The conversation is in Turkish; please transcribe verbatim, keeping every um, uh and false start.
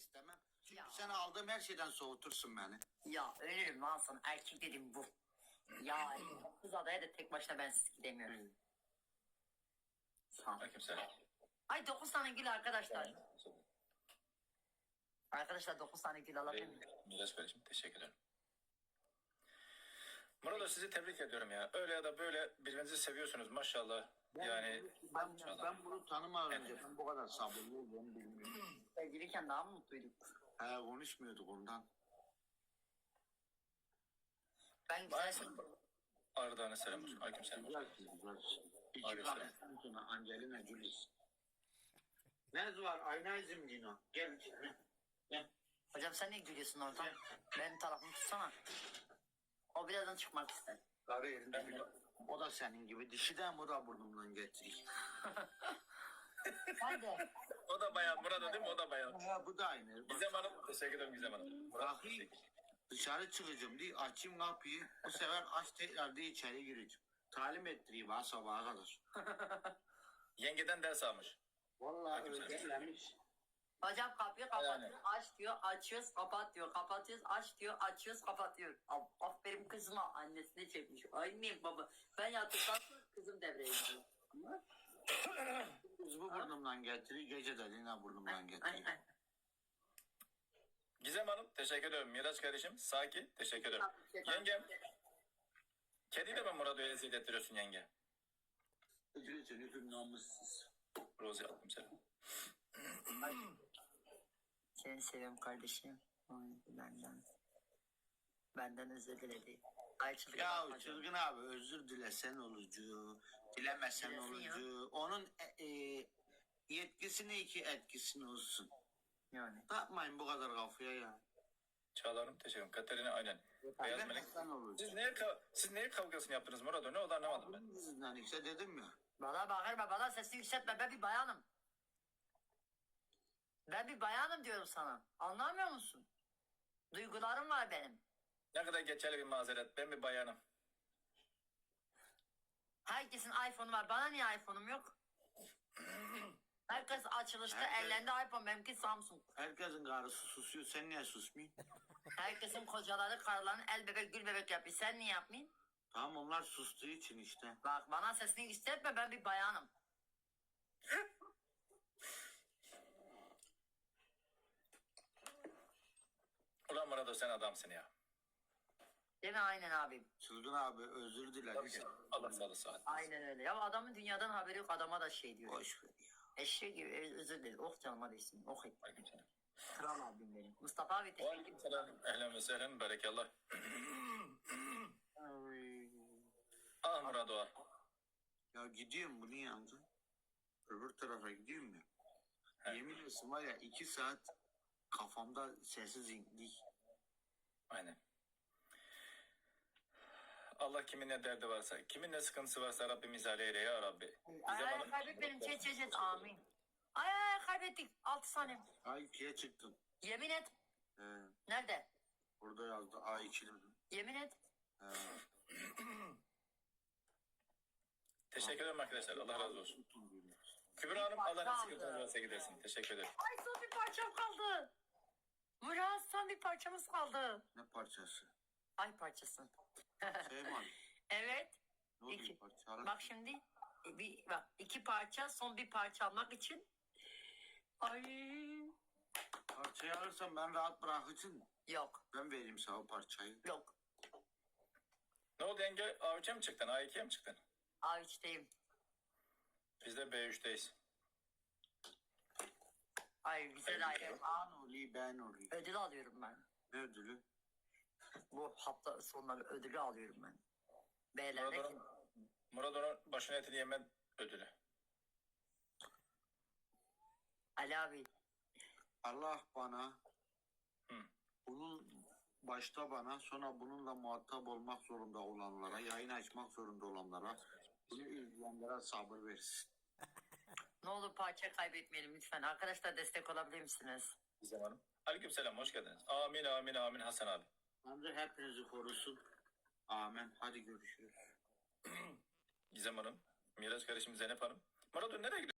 istemem. Çünkü Ya. sen aldığım her şeyden soğutursun beni. Ya ölürüm lan sana. Erkek dedim bu. Ya kız adaya da tek başına bensiz gidemiyorum. Sağ ol. Aleykümselam. Ay dokuz tane gül arkadaşlar. Arkadaşlar dokuz tane gül alabilir miyim? Miraç kardeşim teşekkür ederim. Murat sizi tebrik ediyorum ya. Öyle ya da böyle birbirinizi seviyorsunuz maşallah. Yani Ben, ben bunu tanımadan önce ben bu kadar sabırlı olduğumu bilmiyorum. Sevgiliyken daha mı mutluyduk? He, konuşmuyorduk ondan. Ben güzel maalesef Arda'na selam olsun. Aleykümselam. Güzel kız, güzel. İki Aleyküm kahveden sonra Angelina Jolie. Ne var? Ayna izim Dino. Gel içeri. Gel. Hocam sen ne gülüyorsun oradan? Benim tarafımı tutsana. O birazdan çıkmak ister. Karı yerinde bile. O da senin gibi. Dişiden bu da burnumdan getiriyor. Ben de. O da bayan. Murat değil mi? O da bayan. Ha, bu da aynı. Bak, Gizem Hanım. Teşekkür ederim Gizem Hanım. Murat bakayım. teşekkür. Dışarı çıkacağım diye açayım kapıyı. Bu sefer aç tekrar diye içeri gireceğim. Talim ettireyim ha sabaha kadar. Yengeden ders almış. Vallahi öldürlemiş. Hocam kapıyı kapatıyor, Yani. aç diyor, açıyoruz, kapat diyor, kapatıyoruz, aç diyor, açıyoruz, kapatıyor. Af- Aferin kızıma, annesine çekmiş. Annem baba, ben yattıktan sonra kızım devreye giriyor. Kız bu burnumdan getiriyor. Gece de yine burnumdan Ay, getiriyor. ay. Gizem Hanım teşekkür ederim. Miraç kardeşim Saki teşekkür ederim. Yengem. Kediyle mi Murat'ı eziyet ettiriyorsun yenge? Üzülürsün, üzülün namussuz. Rozi attım selam. Seni seviyorum kardeşim. Ay, benden. Benden özür diledi. Ay çılgın Ya yapma canım. çılgın abi özür dilesen olucu, dilemesen Dilesin olucu. Onun e, e, yetkisine iki etkisini olsun. Yani. Takmayın bu kadar kafaya ya. Çağlar'ım teşekkür ederim. Katerina aynen. Beyaz Melek. Dilemesen olucu. Siz neye, kav- siz neye kavgasını yaptınız Murat? Ne oldu anlamadım ben. Bunun yüzünden işte dedim ya. Bana bağırma, bana sesini yükseltme. Ben bir bayanım. Ben bir bayanım diyorum sana. Anlamıyor musun? Duygularım var benim. Ne kadar geçerli bir mazeret. Ben bir bayanım. Herkesin iPhone'u var. Bana niye iPhone'um yok? Herkes açılışta Herkes- ellerinde iPhone. Benimki Samsung. Herkesin karısı susuyor. Sen niye susmayın? Herkesin kocaları, karılarını el bebek, gül bebek yapıyor. Sen niye yapmayın? Tamam onlar sustuğu için işte. Bak bana sesini yükseltme. Ben bir bayanım. Ulan Murat sen adamsın ya. Değil mi? Aynen abim. Çılgın abi özür Tabii dileriz. ki. Allah sağlığı saat. Aynen öyle. Ya adamın dünyadan haberi yok. Adama da şey diyor. Boş ver ya. Eşeği gibi özür dilerim. Oh canıma değsin. Oh et. Aleykümselam. Kral abim benim. Mustafa abi teşekkür ederim. Aleykümselam. Ehlen ve sehlen. Berekallah. Ay. Ah Murat Oğa. Ya gidiyorum bunun yanında. Öbür tarafa gidiyorum ya. He. Yemin olsun var ya iki saat kafamda sessiz indik. Aynen. Allah kimin ne derdi varsa, kimin ne sıkıntısı varsa Rabbim izale eyle ya Rabbi. Ay Gizem ay Hanım- kaybet benim. Çet çet çet. Amin. Ay ay ay, kaybettik. Altı saniye. A ikiye çıktım. Yemin et. He, Nerede? burada yazdı A iki. Yemin et. He. Teşekkür ederim arkadaşlar. Allah razı olsun. Tutun diyorlar. Kübra Hanım Allah ne Kaldı. sıkıntınız varsa gidersin. Teşekkür ederim. Ay son bir parçam kaldı. Murat son bir parçamız kaldı. Ne parçası? Ay parçası. Şey mi? Evet. Ne oluyor İki. parça? Bak şimdi e, bir bak iki parça son bir parça almak için. Ay Parçayı alırsam ben rahat bırakırsın. yok Ben vereyim sana o parçayı. yok. Ne oldu yenge? A üçe mi çıktın? A ikiye mi çıktın? A üçteyim. Biz de B üçteyiz. Ay güzel ayrı. Ben olayım ben olayım. Ödül alıyorum ben. Ne ödülü? Bu hafta sonları ödülü alıyorum ben. Murat Beylerle On'un Murat On'un başına etini yeme ödülü. Ali abi. Allah bana Hı. bunun başta bana sonra bununla muhatap olmak zorunda olanlara, yayın açmak zorunda olanlara, bunu izleyenlere sabır versin. Ne olur parça kaybetmeyelim lütfen. Arkadaşlar destek olabilir misiniz? Gizem Hanım. Aleykümselam. Hoş geldiniz. Amin amin amin Hasan abi. Tanrı hepinizi korusun. Amin. Hadi görüşürüz. Gizem Hanım. Miraç kardeşim Zeynep Hanım. Murat nereye gidiyor?